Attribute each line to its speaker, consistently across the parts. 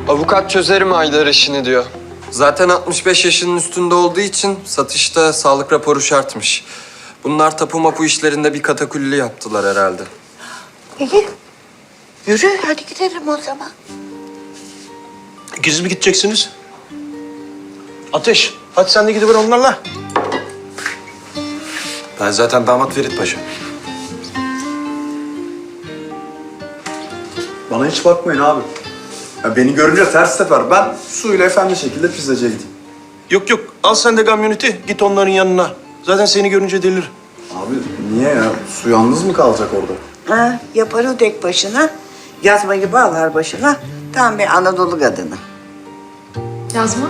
Speaker 1: Avukat çözerim Aydar işini diyor. Zaten 65 yaşının üstünde olduğu için satışta sağlık raporu şartmış. Bunlar tapu mapu işlerinde bir katakulli yaptılar herhalde.
Speaker 2: İyi. Yürü hadi gidelim o zaman.
Speaker 3: İkiniz mi gideceksiniz? Ateş, hadi sen de gidiver onlarla.
Speaker 4: Ben zaten damat Ferit Paşa.
Speaker 5: Bana hiç bakmayın abi. Ya beni görünce ters teper. Ben suyla efendi şekilde pizzacıya gideyim.
Speaker 3: Yok yok, al sen de kamyoneti, git onların yanına. Zaten seni görünce delir.
Speaker 5: Abi niye ya? Su yalnız mı kalacak orada?
Speaker 2: Ha, yapar o tek başına. Yazmayı bağlar başına. Tam bir Anadolu kadını.
Speaker 6: Yazma.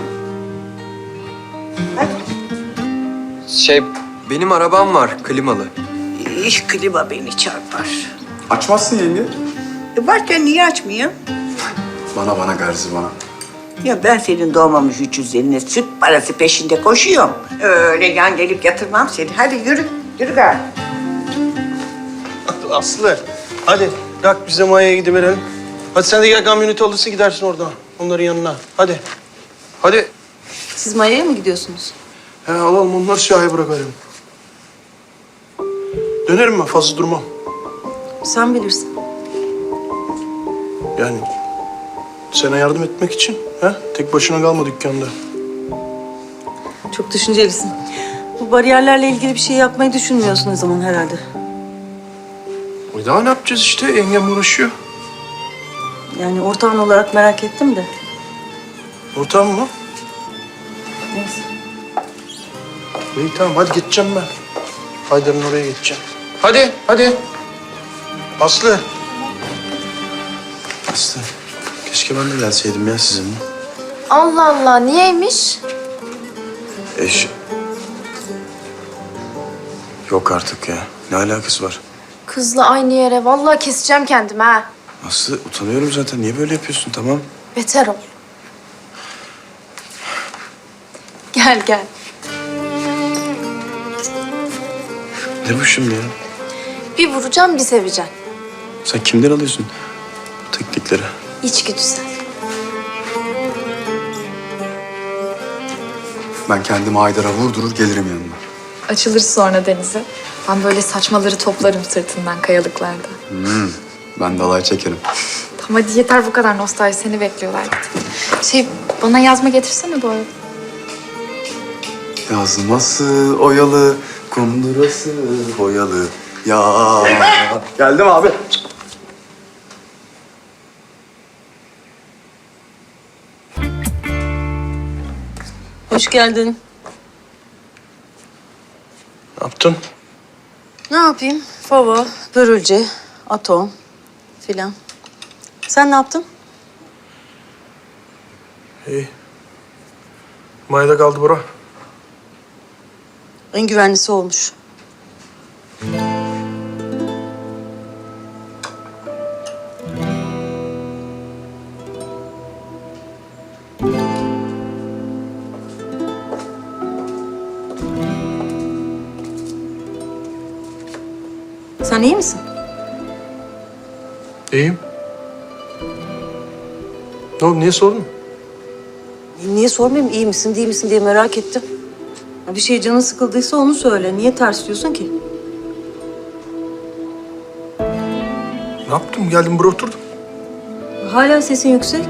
Speaker 1: Benim arabam var klimalı.
Speaker 2: İş klima beni çarpar.
Speaker 5: Açmazsın yenge.
Speaker 2: Varken niye açmayayım?
Speaker 5: Bana garzi bana.
Speaker 2: Ya ben senin doğmamış 350'ine süt parası peşinde koşuyorum. Öyle yan gelip yatırmam seni. Hadi yürü, yürü gari.
Speaker 3: Aslı, hadi kalk biz de Maya'ya gidiverelim. Hadi sen de gel kamyoneti alırsın gidersin oradan, onların yanına. Hadi. Hadi.
Speaker 6: Siz Maya'ya mı gidiyorsunuz?
Speaker 3: He alalım onları siyahya bırakalım. Dönerim ben, fazla durmam.
Speaker 6: Sen bilirsin.
Speaker 3: Yani sana yardım etmek için. He? Tek başına kalma dükkanda.
Speaker 6: Çok düşüncelisin. Bu bariyerlerle ilgili bir şey yapmayı düşünmüyorsun o zaman herhalde.
Speaker 3: Daha ne yapacağız işte? Yengem uğraşıyor.
Speaker 6: Yani ortağın olarak merak ettim de.
Speaker 3: Ortağım mı?
Speaker 6: Neyse.
Speaker 3: İyi tamam hadi gideceğim ben. Haydar'ın oraya gideceğim. Hadi hadi. Aslı.
Speaker 4: Aslı, keşke ben de gelseydim ya sizinle.
Speaker 7: Allah Allah, niyeymiş?
Speaker 4: Yok artık ya. Ne alakası var?
Speaker 7: Kızla aynı yere, vallahi keseceğim kendimi ha.
Speaker 4: Aslı, utanıyorum zaten. Niye böyle yapıyorsun, tamam?
Speaker 7: Beter ol. Gel gel.
Speaker 4: Ne bu şimdi ya?
Speaker 7: Bir vuracağım, bir seveceğim.
Speaker 4: Sen kimden alıyorsun bu teknikleri?
Speaker 7: İçgüdüsel.
Speaker 5: Ben kendimi Haydar'a vurdurur gelirim yanına.
Speaker 6: Açılır sonra denize. Ben böyle saçmaları toplarım sırtından kayalıklarda.
Speaker 5: Ben de alay çekerim.
Speaker 6: Tamam hadi yeter bu kadar nostalji, seni bekliyorlar. Bana yazma getirsene bu arada.
Speaker 5: Yazması oyalı, kundurası boyalı. Ya geldim abi.
Speaker 6: Hoş geldin.
Speaker 3: Ne yaptın?
Speaker 6: Ne yapayım? Fava, börülce, atom filan. Sen ne yaptın?
Speaker 3: İyi. Maya'da kaldı bura.
Speaker 6: En güvenlisi olmuş. Sen iyi misin?
Speaker 3: İyiyim. Ne oldu, niye sordun?
Speaker 6: Niye sormayayım iyi misin değil misin diye merak ettim. Ya bir şeye canın sıkıldıysa onu söyle. Niye ters diyorsun ki?
Speaker 3: Ne yaptım? Geldim buraya oturdum.
Speaker 6: Hala sesin yüksek.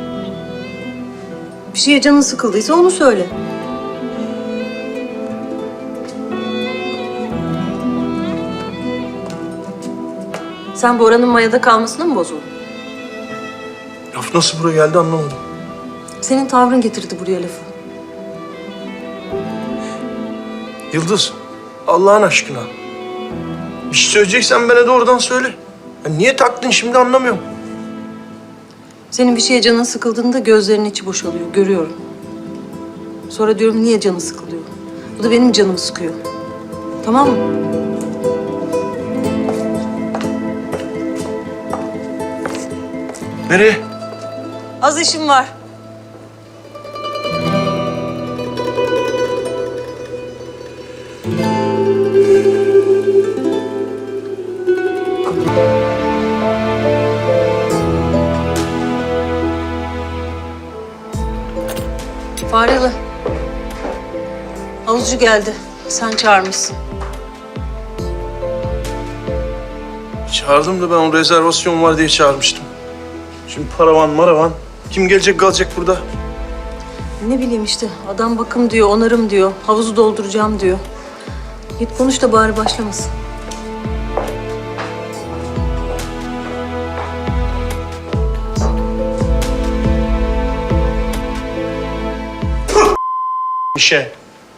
Speaker 6: Bir şeye canın sıkıldıysa onu söyle. Sen Bora'nın Maya'da kalmasına mı bozuldun?
Speaker 3: Laf nasıl buraya geldi anlamadım.
Speaker 6: Senin tavrın getirdi buraya lafı.
Speaker 3: Yıldız, Allah'ın aşkına. Bir şey söyleyeceksen bana doğrudan söyle. Ya niye taktın şimdi anlamıyorum.
Speaker 6: Senin bir şeye canın sıkıldığında gözlerinin içi boşalıyor, görüyorum. Sonra diyorum niye canı sıkılıyor? Bu da benim canımı sıkıyor. Tamam mı?
Speaker 3: Nereye?
Speaker 6: Az işim var. Faryalı. Havuzcu geldi. Sen çağırmışsın.
Speaker 3: Çağırdım da ben o rezervasyon var diye çağırmıştım. Şimdi paravan maravan. Kim gelecek kalacak burada?
Speaker 6: Ne bileyim işte. Adam bakım diyor, onarım diyor. Havuzu dolduracağım diyor. Git konuş da bari başlamasın.
Speaker 3: İşe.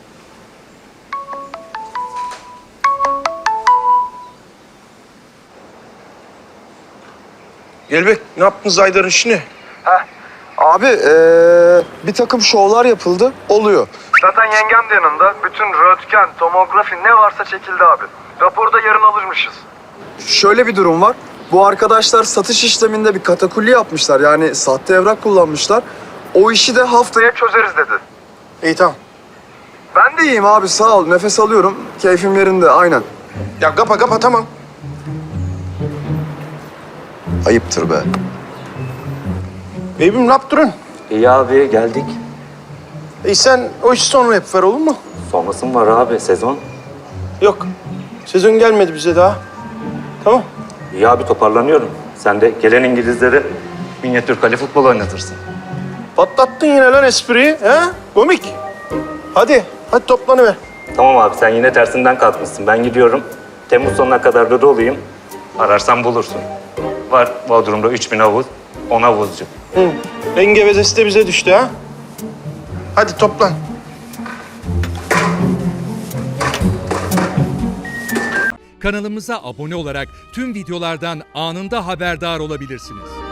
Speaker 3: Gelbek, ne yaptınız Aydar'ın işini?
Speaker 5: Abi bir takım şovlar yapıldı. Oluyor.
Speaker 8: Zaten yengem de yanında. Bütün röntgen, tomografi ne varsa çekildi abi. Raporu da yarın alırmışız.
Speaker 5: Şöyle bir durum var. Bu arkadaşlar satış işleminde bir katakulli yapmışlar. Yani sahte evrak kullanmışlar. O işi de haftaya...
Speaker 8: Çözeriz dedi.
Speaker 3: İyi tamam.
Speaker 5: Ben de iyiyim abi, sağ ol. Nefes alıyorum. Keyfim yerinde, aynen.
Speaker 3: Ya kapa tamam.
Speaker 5: Ayıptır be.
Speaker 3: Beybim ne yaptırın?
Speaker 9: İyi abi geldik.
Speaker 3: Sen o işi sonra yap ver olur mu?
Speaker 9: Sonrası mı var abi sezon?
Speaker 3: Yok. Sezon gelmedi bize daha. Tamam.
Speaker 9: İyi abi toparlanıyorum. Sen de gelen İngilizlere minyatür kale futbol oynatırsın.
Speaker 3: Patlattın yine lan espriyi. He? Komik. Hadi toplanıver.
Speaker 9: Tamam abi sen yine tersinden kalkmışsın. Ben gidiyorum. Temmuz sonuna kadar da doluyum. Ararsan bulursun. Var Bodrum'da 3000 havuz, 10 havuzcu.
Speaker 3: Engevezesi de bize düştü ha. Hadi toplan.
Speaker 10: Kanalımıza abone olarak tüm videolardan anında haberdar olabilirsiniz.